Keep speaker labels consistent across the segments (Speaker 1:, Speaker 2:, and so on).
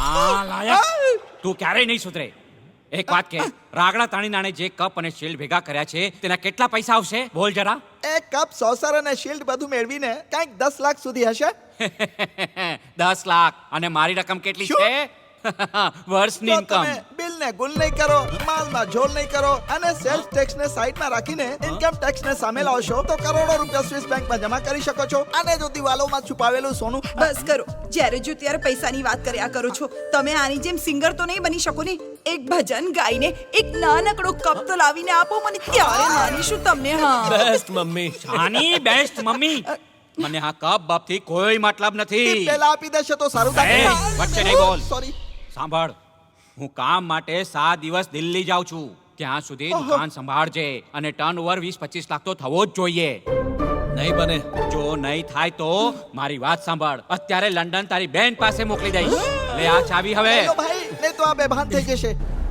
Speaker 1: નાલાયક તું ક્યારેય નહીં સુધરે. એક વાત કે રાગડા તાણીનાણે જે કપ અને શિલ્ડ ભેગા કર્યા છે તેના કેટલા પૈસા આવશે બોલ જરા.
Speaker 2: એક કપ સોસર અને શિલ્ડ બધું મેળવીને કંઈક 10 લાખ સુધી હશે.
Speaker 1: 10 લાખ અને મારી રકમ કેટલી
Speaker 2: શું?
Speaker 1: છે? વર્ષની
Speaker 2: જો
Speaker 1: ઇન્કમ.
Speaker 2: તમે બિલને ગુલ નહીં કરો, માલમાં ઝોલ નહીં કરો અને સેલ્સ ટેક્સને સાઈડમાં રાખીને ઇન્કમ ટેક્સને સામે લાવશો તો કરોડો રૂપિયા સ્વિસ બેંકમાં જમા કરી શકો છો. અને જો દિવાલોમાં છુપાવેલું સોનું
Speaker 3: બસ કરો. જ્યારે જો ત્યારે પૈસાની વાત કર્યા કરો છો. તમે આની જેમ સિંગર તો નહીં બની શકો ને. એક ભજન ગાઈને એક નાનકડો કપ તો લાવીને આપો મને, ત્યારે માનીશું તમને. હા,
Speaker 4: બેસ્ટ મમ્મી.
Speaker 1: આની બેસ્ટ મમ્મી. મને આ કપ બાપથી કોઈ મતલબ નથી.
Speaker 2: પેલા આપી દેશે તો સારું
Speaker 1: એ, વચ્ચે નહીં બોલ.
Speaker 2: સોરી.
Speaker 1: સાંભળ, હું કામ માટે 7 દિવસ દિલ્હી જાઉં છું. ત્યાં સુધી દુકાન સંભાળજે અને ટર્નઓવર 20-25 લાખ તો થવો જ જોઈએ.
Speaker 4: નહીં બને.
Speaker 1: જો નહીં થાય તો મારી વાત સાંભળ, અત્યારે લંડન તારી બેન પાસે મોકલી દઈશ. લે આ ચાવી હવે.
Speaker 2: લો ભાઈ, લે તો આ બેભાન થઈ જશે.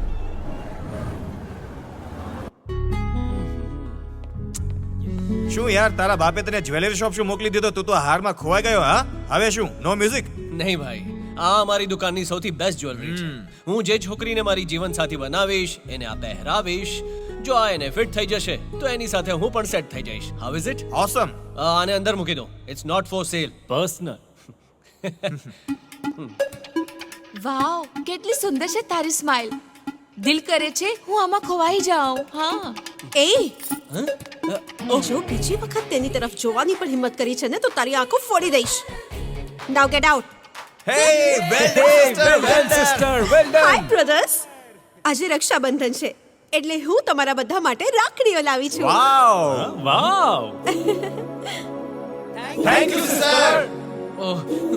Speaker 5: શું યાર તારા બાપે તને જ્વેલરી શોપ શું મોકલી દીધો? તું તો હારમાં ખોવાઈ ગયો. હા, હવે શું? No music?
Speaker 4: નહીં ભાઈ, આ મારી દુકાનની સૌથી બેસ્ટ જ્વેલરી છે. હું જે છોકરીને મારી જીવનસાથી બનાવીશ એને આ પહેરાવીશ. જો આ એને ફિટ થઈ જશે તો એની સાથે હું પણ સેટ થઈ જઈશ. How is it?
Speaker 5: ઓસમ.
Speaker 4: આને અંદર મૂકી દો. It's not for sale, personal.
Speaker 6: Wow, કેટલી સુંદર છે તારી સ્માઇલ. દિલ કરે છે હું આમાં ખોવાઈ જાઉં. હા,
Speaker 3: એ જો બીજી વખત તેની તરફ જોવાની પણ હિંમત કરી છે ને તો તારી આંખો ફોડી દઈશ. Now get out.
Speaker 5: Hey, well done, sister.
Speaker 3: Hi brothers. આજે રક્ષાબંધન છે એટલે હું તમારા બધા માટે રાખડીઓ લાવી છું.
Speaker 5: Wow.
Speaker 4: Vav.
Speaker 5: Thank you, sir.
Speaker 4: ઓહ,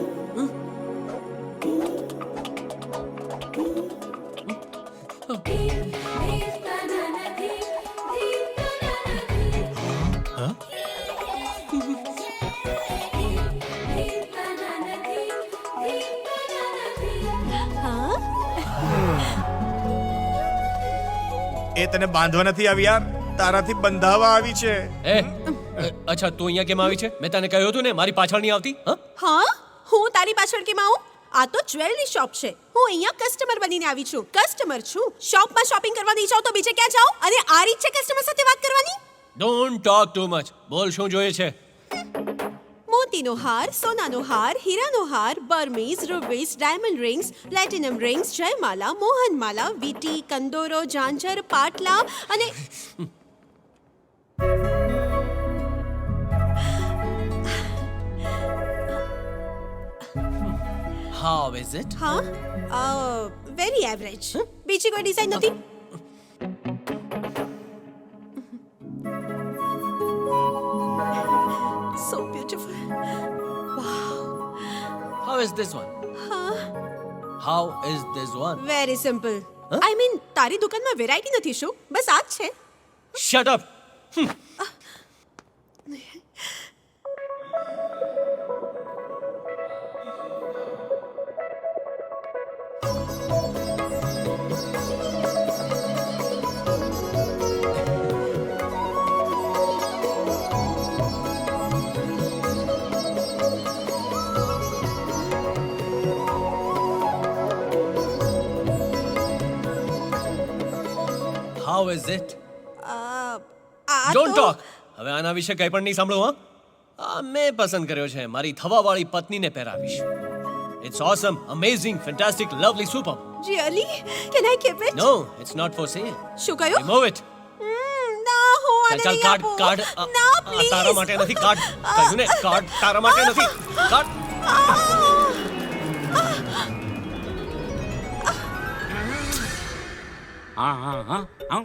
Speaker 5: એ તને બાંધવા નથી આવી યાર, તારાથી બંધાવા આવી છે.
Speaker 4: અચ્છા તું અહીંયા કેમ આવી છે? મેં તને કહ્યું હતું ને મારી પાછળ નહીં આવતી.
Speaker 3: હા, હું તારી પાછળ કેમ આવું? આ તો જ્વેલરી શોપ છે. હું અહીંયા કસ્ટમર બનીને આવી છું. કસ્ટમર છું. શોપમાં શોપિંગ કરવા નહીં જાઉં તો બીજે ક્યાં જાઉં? અને આ રીત છે કસ્ટમર સાથે વાત કરવાની?
Speaker 4: Don't talk too much. બોલ શું જોઈએ છે?
Speaker 3: મોતીનો હાર, સોનાનો હાર, હીરાનો હાર, Burmese, rubies, diamond rings, platinum rings, જયમાલા, મોહનમાલા, વીટી, કંદોરો, ઝાંઝર, પાટલા અને
Speaker 4: હાઉ ઇઝ ઇટ?
Speaker 3: હા, વેરી એવરેજ. બીજી કોઈ ડિઝાઇન નથી? So beautiful.
Speaker 4: How is this one? How is this one?
Speaker 3: Very simple. I mean તારી દુકાનમાં વેરાયટી નથી શું? બસ આ જ છે.
Speaker 4: Shut up. How is it? Don't talk. હવે આના વિશે કંઈ પણ નહીં સાંભળો. હા, મેં પસંદ કર્યો છે. મારી થવાવાળી પત્નીને પહેરાવીશ. It's awesome, amazing, fantastic, lovely, super.
Speaker 3: Really? Can I keep it?
Speaker 4: No, it's not for sale.
Speaker 3: શું કહ્યું?
Speaker 4: Remove it.
Speaker 3: ના, હું આને
Speaker 4: ચાલ
Speaker 3: નહીં
Speaker 4: કાર્ડ
Speaker 3: આપું.
Speaker 4: કાર્ડ.
Speaker 3: ના,
Speaker 4: આ
Speaker 3: please.
Speaker 4: તારા માટે નથી કાર્ડ. કહ્યું ને કાર્ડ તારા માટે નથી. કાર્ડ.
Speaker 1: હા હા હા હા.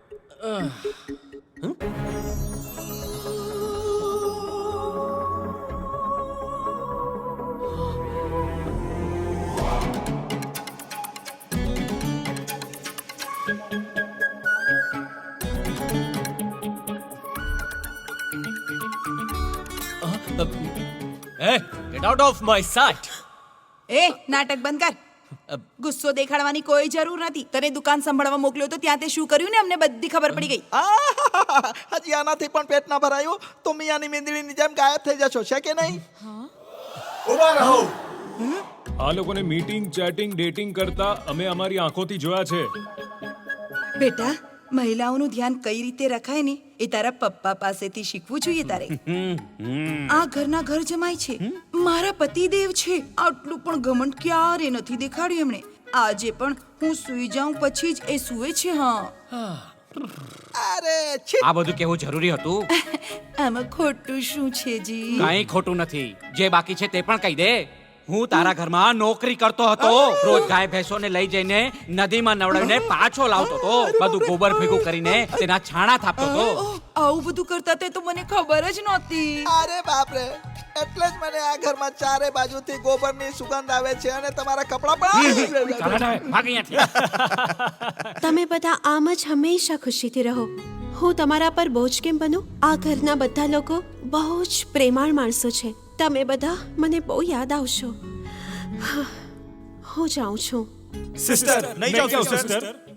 Speaker 4: Hey, get out of my sight.
Speaker 3: એ નાટક બંધ કર. ગુસ્સો દેખાડવાની કોઈ જરૂર નથી. તને દુકાન સંભાળવા મોકલ્યો તો ત્યાં તે શું કર્યું ને અમને બધી ખબર પડી ગઈ.
Speaker 2: હજી આનાથી પણ પેટ ના ભરાયું તો મિયાની મીંદડીની જેમ ગાયબ થઈ જશો, છે કે નહીં?
Speaker 5: ઉભા રહો.
Speaker 7: આ લોકોને મીટિંગ ચેટિંગ ડેટિંગ કરતા અમે અમારી આંખોથી જોયા છે.
Speaker 8: બેટા મહિલાઓનું ધ્યાન કઈ રીતે રખાય ને એ તારા પપ્પા પાસેથી શીખવું જોઈએ તારે. આ ઘરના ઘર જમાય છે, મારા પતિદેવ છે, આટલું પણ ઘમંડ ક્યારે નથી દેખાડ્યું એમણે. આજે પણ હું સૂઈ જાઉં પછી જ એ સૂવે છે. હા,
Speaker 2: અરે છી.
Speaker 1: આ બધું કેવું જરૂરી હતું?
Speaker 8: આમાં ખોટું શું છે જી?
Speaker 1: કઈ ખોટું નથી. જે બાકી છે તે પણ કહી દે. હું તારા ઘરમાં નોકરી કરતો હતો. રોજ ગાય ભેંસોને લઈ જઈને નદીમાં નવડાવીને પાછો લાવતો હતો. બધું ગોબર ભેગું કરીને તેના છાણા થાપતો હતો.
Speaker 8: ઓહ, આવું બધું કરતા તે તો મને ખબર જ નહોતી.
Speaker 2: અરે બાપરે, એટલે જ મને આ ઘરમાં ચારે બાજુથી ગોબરની સુગંધ આવે છે અને તમારા કપડાં પણ.
Speaker 1: ચાલો ને, ભાગ અહીંયાથી.
Speaker 3: તમે બધા આમ જ હંમેશા ખુશીથી રહો. હું તમારા પર બોજ કેમ બનું? આ ઘરના બધા લોકો બહુ જ પ્રેમાળ માણસો છે. તમે બધા મને બહુ યાદ આવશો. હા, હું જાઉં છું.
Speaker 5: સિસ્ટર નહીં જાઓ સિસ્ટર.